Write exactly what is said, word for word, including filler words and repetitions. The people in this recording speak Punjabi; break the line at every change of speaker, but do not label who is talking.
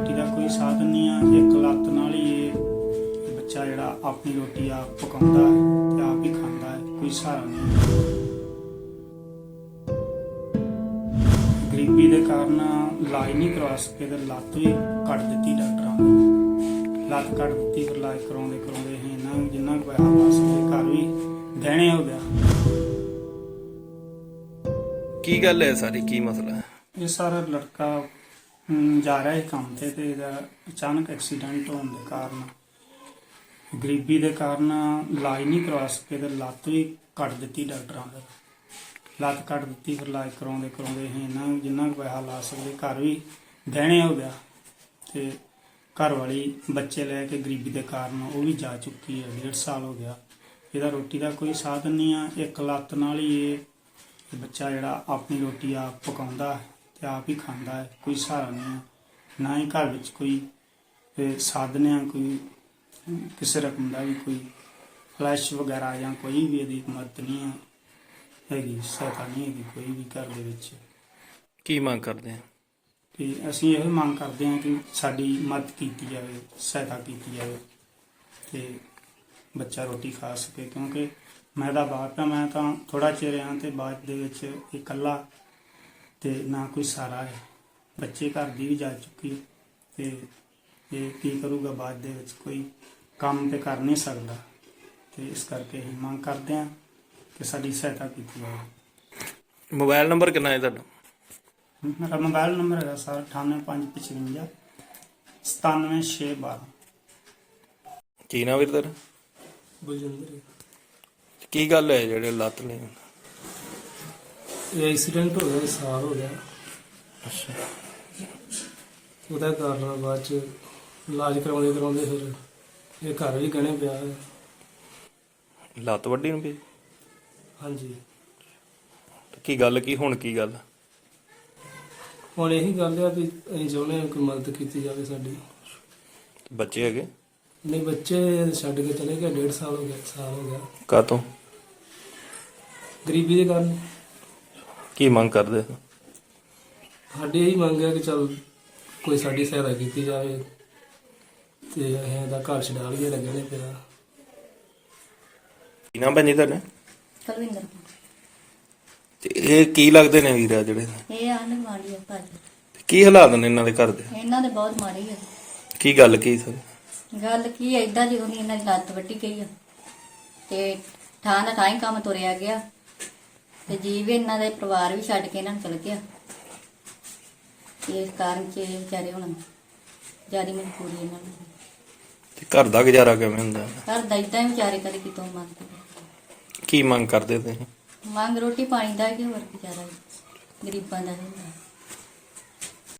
ਰੋਟੀ ਦਾ ਕੋਈ ਸਾਧਨ ਨਹੀਂ ਆ। ਇੱਕ ਲੱਤ ਨਾਲ ਹੀ ਇਹ ਬੱਚਾ ਜਿਹੜਾ ਆਪਣੀ ਰੋਟੀ ਆਪ ਪਕਾਉਂਦਾ ਹੈ ਤੇ ਆਪ ਹੀ ਖਾਂਦਾ ਹੈ, ਕੋਈ ਸਹਾਰਾ ਨਹੀਂ। ਗਰੀਬੀ ਦੇ ਕਾਰਨ ਇਲਾਜ ਨਹੀਂ ਕਰਵਾ ਸਕੇ ਤੇ ਲੱਤ ਵੀ ਕੱਟ ਦਿੱਤੀ ਡਾਕਟਰਾਂ ਨੇ। ਲੱਤ ਕੱਟ ਦਿੱਤੀ, ਫਿਰ ਇਲਾਜ ਕਰਾਉਂਦੇ ਕਰਾਉਂਦੇ ਅਸੀਂ ਇਹਨਾਂ ਨੂੰ ਜਿੰਨਾ ਕੁ ਪੈਸਾ ਲਾ ਸਕੇ ਘਰ ਵੀ ਗਹਿਣੇ ਹੋ ਗਿਆ।
ਕੀ ਗੱਲ ਹੈ ਸਾਰੀ, ਕੀ ਮਸਲਾ ਹੈ?
ਇਹ ਸਾਰਾ ਲੜਕਾ ਅਮ, ਜਾ ਰਿਹਾ ਸੀ ਕੰਮ ਤੇ ਤੇ ਇਹਦਾ ਅਚਾਨਕ ਐਕਸੀਡੈਂਟ ਹੋਣ ਦੇ ਕਾਰਨ ਗਰੀਬੀ ਦੇ ਕਾਰਨ ਇਲਾਜ ਨਹੀਂ ਕਰਵਾ ਸਕੇ ਤੇ ਲੱਤ ਵੀ ਕੱਟ ਦਿੱਤੀ ਡਾਕਟਰਾਂ ਨੇ। ਲੱਤ ਕੱਟ ਦਿੱਤੀ, ਫਿਰ ਇਲਾਜ ਕਰਾਉਂਦੇ ਕਰਾਉਂਦੇ ਅਸੀਂ ਇਹਨਾਂ ਨੂੰ ਜਿੰਨਾ ਕੁ ਪੈਸਾ ਲਾ ਸਕਦੇ ਘਰ ਵੀ ਗਹਿਣੇ ਹੋ ਗਿਆ। ਤੇ ਘਰ ਵਾਲੀ ਬੱਚੇ ਲੈ ਕੇ ਗਰੀਬੀ ਦੇ ਕਾਰਨ ਉਹ ਵੀ ਜਾ ਚੁੱਕੀ ਹੈ, ਡੇਢ ਸਾਲ ਹੋ ਗਿਆ। ਇਹਦਾ ਰੋਟੀ ਦਾ ਕੋਈ ਸਾਧਨ ਨਹੀਂ ਆ। ਇੱਕ ਲੱਤ ਨਾਲ ਹੀ ਇਹ ਇਹ ਬੱਚਾ ਜਿਹੜਾ ਆਪਣੀ ਰੋਟੀ ਆਪ ਪਕਾਉਂਦਾ ਹੈ ਤੇ ਆਪ ਹੀ ਖਾਂਦਾ ਹੈ, ਕੋਈ ਸਹਾਰਾ ਨਹੀਂ ਆ। ਨਾ ਹੀ ਘਰ ਵਿੱਚ ਕੋਈ ਇਹ ਸਾਧਨ ਆ, ਕੋਈ ਕਿਸੇ ਰਕਮ ਦਾ ਵੀ ਕੋਈ ਫਲੈਸ਼ ਵਗੈਰਾ ਜਾਂ ਕੋਈ ਵੀ ਇਹਦੀ ਮਦਦ ਨਹੀਂ ਆ ਹੈਗੀ, ਸਹਾਇਤਾ ਨਹੀਂ ਹੈਗੀ ਕੋਈ ਵੀ ਘਰ ਦੇ ਵਿੱਚ।
ਕੀ ਮੰਗ ਕਰਦੇ ਆ?
ਤੇ ਅਸੀਂ ਇਹ ਮੰਗ ਕਰਦੇ ਹਾਂ ਕਿ ਸਾਡੀ ਮਦਦ ਕੀਤੀ ਜਾਵੇ, ਸਹਾਇਤਾ ਕੀਤੀ ਜਾਵੇ ਤੇ ਬੱਚਾ ਰੋਟੀ ਖਾ ਸਕੇ। ਕਿਉਂਕਿ ਮੈਂ ਤਾਂ ਬਾਪ ਆ, ਮੈਂ ਤਾਂ ਥੋੜਾ ਚਿਰ ਆ ਤੇ ਬਾਅਦ ਦੇ ਵਿੱਚ ਇਕੱਲਾ ਤੇ ਨਾ ਕੋਈ ਸਹਾਰਾ ਹੈ। ਬੱਚੇ ਘਰ ਦੀ ਵੀ ਜਾ ਚੁੱਕੀ ਤੇ ਇਹ ਕੀ ਕਰੂਗਾ ਬਾਅਦ ਦੇ ਵਿੱਚ, ਕੋਈ ਕੰਮ ਤੇ ਕਰ ਨਹੀਂ ਸਕਦਾ। ਤੇ ਇਸ ਕਰਕੇ ਅਸੀਂ ਮੰਗ ਕਰਦੇ ਹਾਂ ਕਿ ਸਾਡੀ ਸਹਾਇਤਾ ਕੀਤੀ ਜਾਵੇ।
ਮੋਬਾਈਲ ਨੰਬਰ ਕਿੰਨਾ ਹੈ ਤੁਹਾਡਾ?
ਮੇਰਾ ਮੋਬਾਈਲ ਨੰਬਰ ਹੈਗਾ ਸਰ ਅਠਾਨਵੇਂ ਪੰਜ ਪਚਵੰਜਾ ਸਤਾਨਵੇਂ ਛੇ ਬਾਰਾਂ।
ਕੀ ਨਾਮ ਵੀਰ ਤੇਰਾ?
ਬਲਜਿੰਦਰ।
ਕੀ ਗੱਲ ਹੈ ਜਿਹੜੇ ਲੱਤ ਨੇ?
ਇਹ ਐਕਸੀਡੈਂਟ ਹੋ ਗਿਆ, ਸਾਲ ਹੋ ਗਿਆ।
ਅੱਛਾ,
ਉਹਦਾ ਕਾਰਨ ਬਾਅਦ ਚ ਇਲਾਜ ਕਰਾਉਂਦੇ ਕਰਾਉਂਦੇ ਫਿਰ ਇਹ ਘਰ ਵੀ ਗਹਿਣੇ ਪਿਆ ਹੈ।
ਲੱਤ ਵੱਡੀ ਨੂੰ ਪਈ?
ਹਾਂਜੀ,
ਤੇ ਕੀ ਗੱਲ, ਕੀ ਹੁਣ ਕੀ ਗੱਲ?
ਹੁਣ ਇਹੀ ਗੱਲ ਆ ਵੀ ਅਸੀਂ ਚਾਹੁੰਦੇ ਹਾਂ ਕੋਈ ਮਦਦ ਕੀਤੀ ਜਾਵੇ ਸਾਡੀ।
ਬੱਚੇ ਹੈਗੇ?
ਨਹੀਂ, ਬੱਚੇ ਛੱਡ ਕੇ ਚਲੇ ਗਏ, ਡੇਢ ਸਾਲ ਹੋ ਗਿਆ, ਸਾਲ ਹੋ ਗਿਆ।
ਕਾਹਤੋਂ?
ਗਰੀਬੀ ਦੇ ਕਾਰਨ।
ਕੀ ਮੰਗ ਕਰਦੇ?
ਸਾਡੀ ਇਹੀ ਮੰਗ ਹੈ ਕਿ ਚਲ ਕੋਈ ਸਾਡੀ ਸਹਾਇਤਾ ਕੀਤੀ ਜਾਵੇ ਤੇ ਅਸੀਂ ਇਹਦਾ ਘਰ ਛਡਾ ਲਈਏ, ਲੱਗਣੇ ਪਿਆ।
ਕੀ ਨਾਮ ਭੈਣ ਜੀ ਤੁਹਾਡਾ?
ਕੁਲਵਿੰਦਰ ਕੌਰ।
ਤੇ ਇਹ ਕੀ ਲੱਗਦੇ ਨੇ ਵੀਰ ਆ ਜਿਹੜੇ?
ਇਹ ਆਂਢ ਗੁਆਂਢੀ ਆ ਭਾਜੀ।
ਤੇ ਕੀ ਹਾਲਾਤ ਨੇ ਇਹਨਾਂ ਦੇ ਘਰ ਦੇ?
ਇਹਨਾਂ ਦੇ ਬਹੁਤ ਮਾੜੀ ਆ।
ਕੀ ਗੱਲ ਕੀ ਸਰ?
ਗੱਲ ਕੀ ਐਦਾਂ ਜਦੋਂ ਦੀ ਇਹਨਾਂ ਦੀ ਲੱਤ ਵੱਢੀ ਗਈ ਆ ਤੇ ਥਾਂ ਦਾ ਥਾਂ ਹੀ ਕੰਮ ਤੁਰਿਆ ਗਿਆ ਤੇ ਜੀਵ ਇਹਨਾਂ ਦੇ ਪਰਿਵਾਰ ਵੀ ਛੱਡ ਕੇ ਇਹਨਾਂ ਨੂੰ ਚਲ ਗਿਆ। ਇਸ ਕਾਰਨ ਚ ਇਹ ਵਿਚਾਰੇ ਹੁਣ ਜਿਆਦਾ ਮਜਬੂਰੀ ਇਹਨਾਂ ਨੂੰ।
ਤੇ ਘਰ ਦਾ ਗੁਜ਼ਾਰਾ ਕਿਵੇਂ ਹੁੰਦਾ?
ਘਰ ਦਾ ਏਦਾਂ ਹੀ ਵਿਚਾਰੇ ਕਦੇ ਕਿਤੋਂ ਮੰਗਦੇ।
ਕੀ ਮੰਗ ਕਰਦੇ ਤੁਸੀਂ?
ਮੰਗ ਰੋਟੀ ਪਾਣੀ ਦਾ ਕਿ ਹੋਰ ਗੁਜ਼ਾਰਾ ਗਰੀਬਾਂ ਦਾ ਹੁੰਦਾ।